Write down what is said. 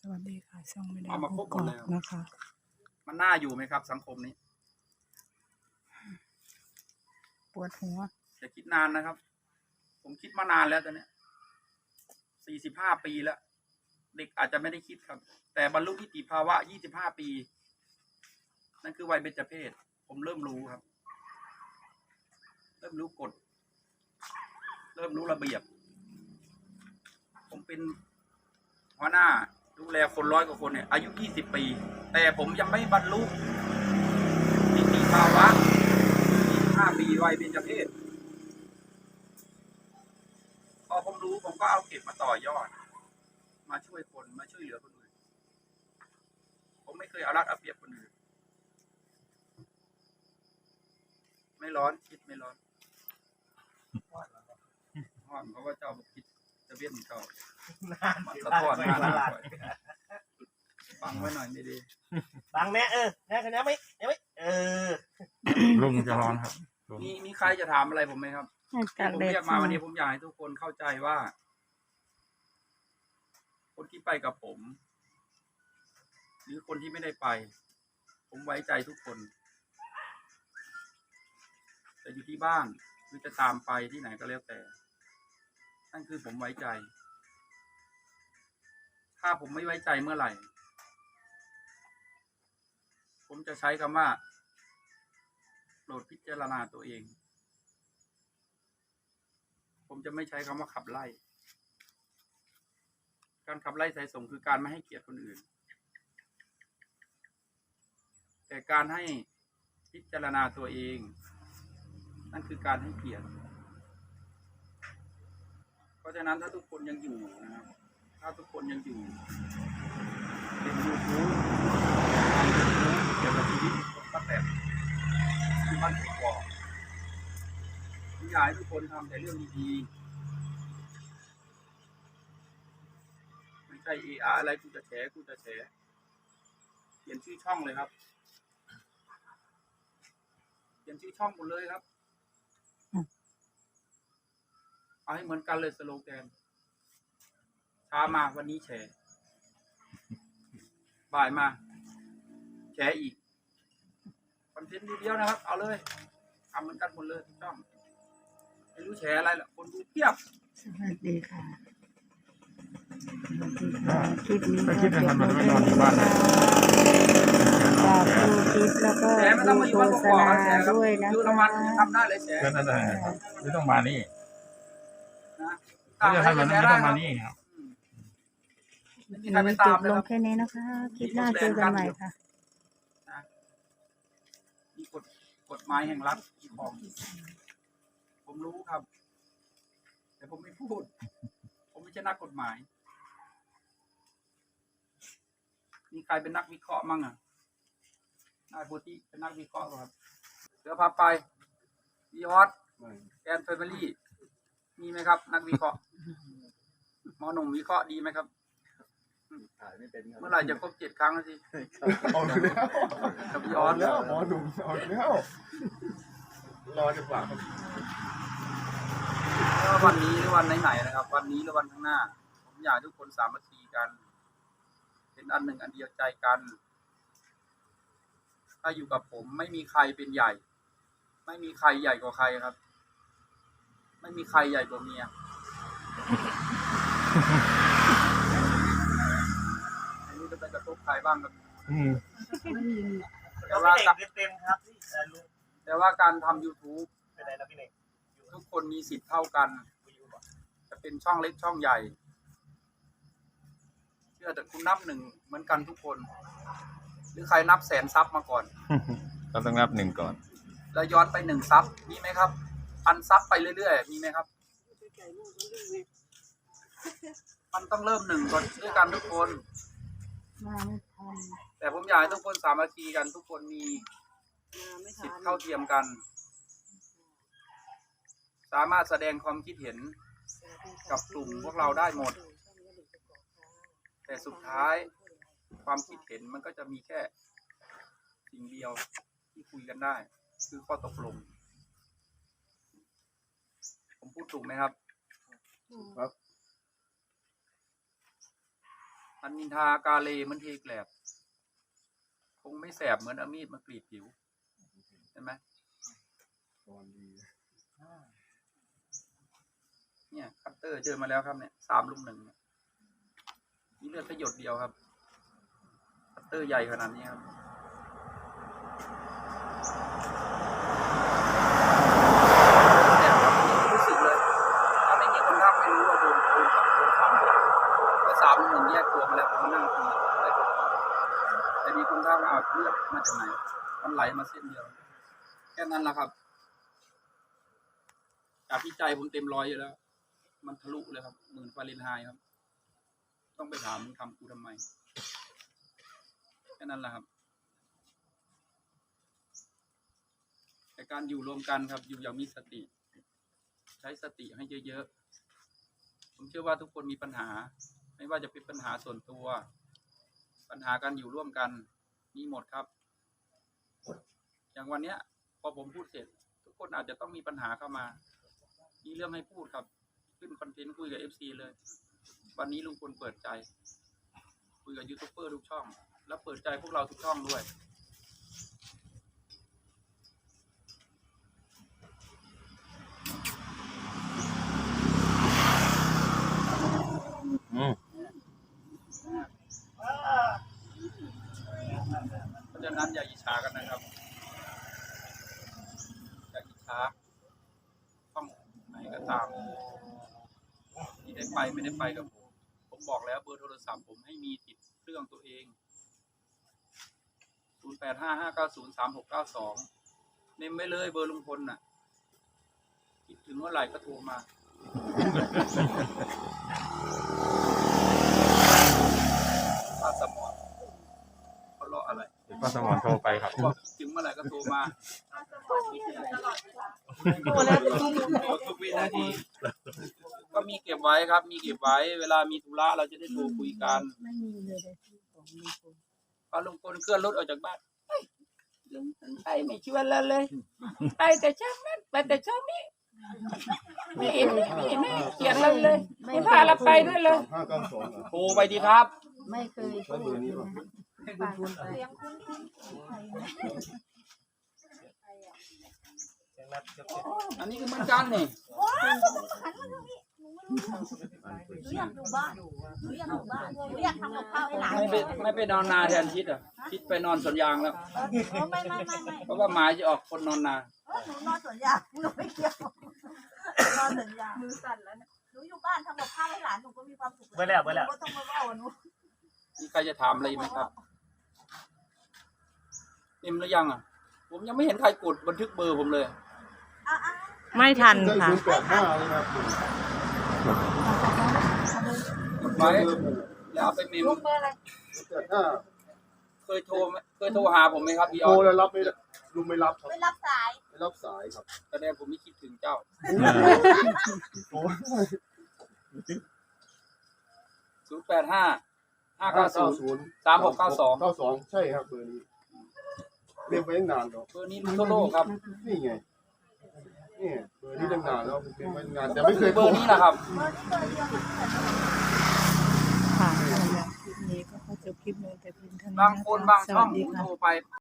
สวัสดีค่ะช่องไม่ได้เอามาครบหมดเลยนะคะมันน่าอยู่ไหมครับสังคมนี้ปวดหัวจะคิดนานนะครับ ผมคิดมานานแล้วตอนนี้45 ปีแล้ว เด็กอาจจะไม่ได้คิดครับ แต่บรรลุนิติภาวะ25 ปี นั่นคือวัยเบญจเพสผมเริ่มรู้ครับ เริ่มรู้กฎ เริ่มรู้ระเบียบ ผมเป็นหัวหน้าดูแลคน100 กว่าคนเนี่ยอายุ20 ปี แต่ผมยังไม่บรรลุนิติภาวะ25 ปีวัยเบญจเพสพอผมรู้ผมก็เอาเก็บมาต่อยอด มาช่วยคนมาช่วยเหลือคนอื่น ผมไม่เคยเอารัดเอาเปรียบคนอื่น ไม่ร้อนคิดไม่ร้อนห้อนเพราะว่าเจ้าบอกคิดจะเวียนเจ้ามันสะท้อนมาหน้าก่อยฟังไว้หน่อยไม่ดีบังแม่แม่คนนี้ไม่ลุงจะร้อนครับมีใครจะถามอะไรผมไหมครับ ผมเรียกมาวันนี้ผมอยากให้ทุกคนเข้าใจว่า คนที่ไปกับผม หรือคนที่ไม่ได้ไป ผมไว้ใจทุกคนจะอยู่ที่บ้านหรือจะตามไปที่ไหนก็แล้วแต่นั่นคือผมไว้ใจ ถ้าผมไม่ไว้ใจเมื่อไหร่ ผมจะใช้คำว่าโปรดพิจารณาตัวเอง ผมจะไม่ใช้คำว่าขับไล่ การขับไล่สายส่งคือการไม่ให้เกียรติคนอื่น แต่การให้พิจารณาตัวเอง นั่นคือการให้เกียรติ เพราะฉะนั้นถ้าทุกคนยังอยู่นะครับ ถ้าทุกคนยังอยู่เป็นYouTube เกี่ยวกับชีวิตของป้าแตนที่บ้านกกอกผมอยากให้ทุกคนทำแต่เรื่องดีๆไม่ใช่อะไรกูจะแฉเปลี่ยนชื่อช่องเลยครับเปลี่ยนชื่อช่องหมดเลยครับเอาให้เหมือนกันเลยสโลแกนเช้ามาวันนี้แฉบ่ายมาแฉอีกคอนเทนต์เดียวนะครับเอาเลยทำเหมือนกันหมดเลยทุกช่องไม่รู้แฉอะไรหรอกคนดูเพียบสวัสดีค่ะคลิปนี้ถ้าคิดจะทำมันไม่นอนอยู่บ้านนะฝากดูคลิปแล้วก็แฉไม่ต้องมาอยู่บ้านกโฆษกอกณาแฉครับด้วยนะอยู่คะละมันทำได้เลยแฉก็นั่นแหละไม่ต้องมานี่นะถ้าจะทำมันไม่ต้องมานี่ครับไม่มีคลิปใครไปนี้จตามบเลยลคงรับแค่นี้นะคะ คลิปหน้าเจอกันใหม่ค่ะมีกฎหมายแห่งรัฐของผมรู้ครับ แต่ผมไม่พูด ผมไม่ใช่นักกฎหมาย มีใครเป็นนักวิเคราะห์มั่งอ่ะนายโพธิเป็นนักวิเคราะห์ครับเดี๋ยวพาไปวีฮอตแอนเฟมิลี่มีไหมครับ นักวิเคราะห์หมอหนุ่มวิเคราะห์ดีไหมครับถ่ายไม่เป็นเมื่อไหร่จะครบ7 ครั้งแล้วสิเอาแล้วกับวีฮอตแล้วหมอหนุ่มเอาแล้วรอจังหวะไม่ว่าวันนี้หรือวันไหนๆนะครับ วันนี้หรือวันข้างหน้า ผมอยากให้ทุกคนสามัคคีกัน เป็นอันหนึ่งอันเดียวใจกัน ถ้าอยู่กับผมไม่มีใครเป็นใหญ่ ไม่มีใครใหญ่กว่าใครครับ ไม่มีใครใหญ่กว่าเมียไม่รู้จะไปกระทบใครบ้างครับแต่ว่าเต็มครับพี่ลุงแต่ว่าการทำ YouTube เป็นไรนะพี่เน่งทุกคนมีสิทธิ์เท่ากัน จะเป็นช่องเล็กช่องใหญ่ เชื่อแต่คุณนับ1เหมือนกันทุกคน หรือใครนับ100,000 ซับมาก่อนเราต้องนับ1ก่อนแล้วย้อนไป1 ซับมีไหมครับ1,000 ซับไปเรื่อยๆมีไหมครับ มันต้องเริ่ม1ก่อนด้วยกันทุกคนมาไม่ทันแต่ผมอยากให้ทุกคนสามัคคีกัน ทุกคนมีสิทธิ์เท่าเทียมกัน สามารถแสดงความคิดเห็นกับกลุ่มพวกเราได้หมด แต่สุดท้ายความคิดเห็นมันก็จะมีแค่สิ่งเดียวที่คุยกันได้ คือข้อตกลง ผมพูดถูกไหมครับครับอันนินทากาเลมันเทแกลบคงไม่แสบเหมือนเอามีดมากรีดผิวใช่ไหมตอนดีเนี่ยคัตเตอร์เจอมาแล้วครับเนี่ย3 ลุม 1เนี่ยนี่เลือดแค่หยดเดียวครับคัตเตอร์ใหญ่ขนาดนี้ครับแสบครับรู้สึกเลยถ้าไม่มีคนทักไม่รู้ว่าโดนฟันเพราะ3 ลุม 1แยกตัวมาแล้วผมมานั่งคุยได้ผลแต่มีคนทักเอาเลือดมาจากไหนมันไหลมาเส้นเดียวแค่นั้นแหละครับจากที่ใจผมเต็มร้อยอยู่แล้วมันทะลุเลยครับ10,000 ฟาเรนไฮต์ครับต้องไปถามมึงทำกูทำไมแค่นั้นแหละครับแต่การอยู่รวมกันครับอยู่อย่างมีสติ ใช้สติให้เยอะๆผมเชื่อว่าทุกคนมีปัญหาไม่ว่าจะเป็นปัญหาส่วนตัวปัญหาการอยู่ร่วมกันมีหมดครับอย่างวันเนี้ยพอผมพูดเสร็จทุกคนอาจจะต้องมีปัญหาเข้ามามีเรื่องให้พูดครับขึ้นคอนเทนต์คุยกับ FC เลยวันนี้ลุงพลเปิดใจคุยกับยูทูบเบอร์ทุกช่องแล้วเปิดใจพวกเราทุกช่องด้วย เพราะฉะนั้นอย่าอิจฉากันนะครับอย่าอิจฉาช่องไหนก็ตามที่ได้ไปไม่ได้ไปกับผมบอกแล้วเบอร์โทรศัพท์ผมให้มีติดเครื่องตัวเอง0855903692เมมไว้เลยเบอร์ลุงพลน่ะคิดถึงเมื่อไหร่ก็โทรมาป้าสมอนเขาเลาะอะไรป้าสมรโทรไปครับบอกถึงเมื่อไหร่ก็โทรมาทุกวินาทีก็มีเก็บไว้ครับ มีเก็บไว้ เวลามีธุระเราจะได้โทรคุยกันไม่มีเลยในที่ของลุงพลพอลุงพลเคลื่อนรถออกจากบ้านลุงไปไม่ชวนเราเลยไปแต่เช้านั้นไปแต่เช้านี้ไม่เห็นเขียนเราเลยไม่พาเราไปด้วยเลย 3592 โทรไปดีครับไม่เคยพูดเลยนะฟังไปอันนี้คือเหมือนกันนี่หนูอยากอยู่บ้านหนูอยากอยู่บ้านหนูอยากทำกับข้าวให้หลานไม่ไปนอนนาแทนทิศอ่ะทิศไปนอนสวนยางแล้วไม่เพราะว่าหมาจะออกคนนอนนาหนูนอนสวนยางหนูไม่เกี่ยวนอนสวนยางมือสั่นแล้วเนี่ยหนูอยู่บ้านทำกับข้าวให้หลานหนูก็มีความสุขไปแล้วก็ต้องมาเล่าหนูมีใครจะถามอะไรไหมครับเต็มหรือยังอ่ะผมยังไม่เห็นใครกดบันทึกเบอร์ผมเลยไม่ทันค่ะ 085เลยครับกดไว้แล้วเอาไปเมมลุงเบอร์อะไร 085 เคยโทรหาผมไหมครับพี่อโทรอสแล้วรับไม่ได้ลุงไม่รับครับไม่รับสายไม่รับสายครับแสดงผมไม่คิดถึงเจ้า 0855903692 ใช่ครับเบอร์นี้เรียกไว้ตั้งนานแล้วเบอร์นี้ลุงโทโร่ครับนี่ไงนี่เบอร์นี้ตั้งนานแล้วเรียกไว้นานแต่ไม่เคยเบอร์นี้นะครับเบอร์นี้เบอร์เดียวกันค่ะสำหรับคลิปนี้ก็ขอจบคลิปลงแต่เพียงเท่านี้บางคนบางสช่วัองสดีผมค่ะโทรไป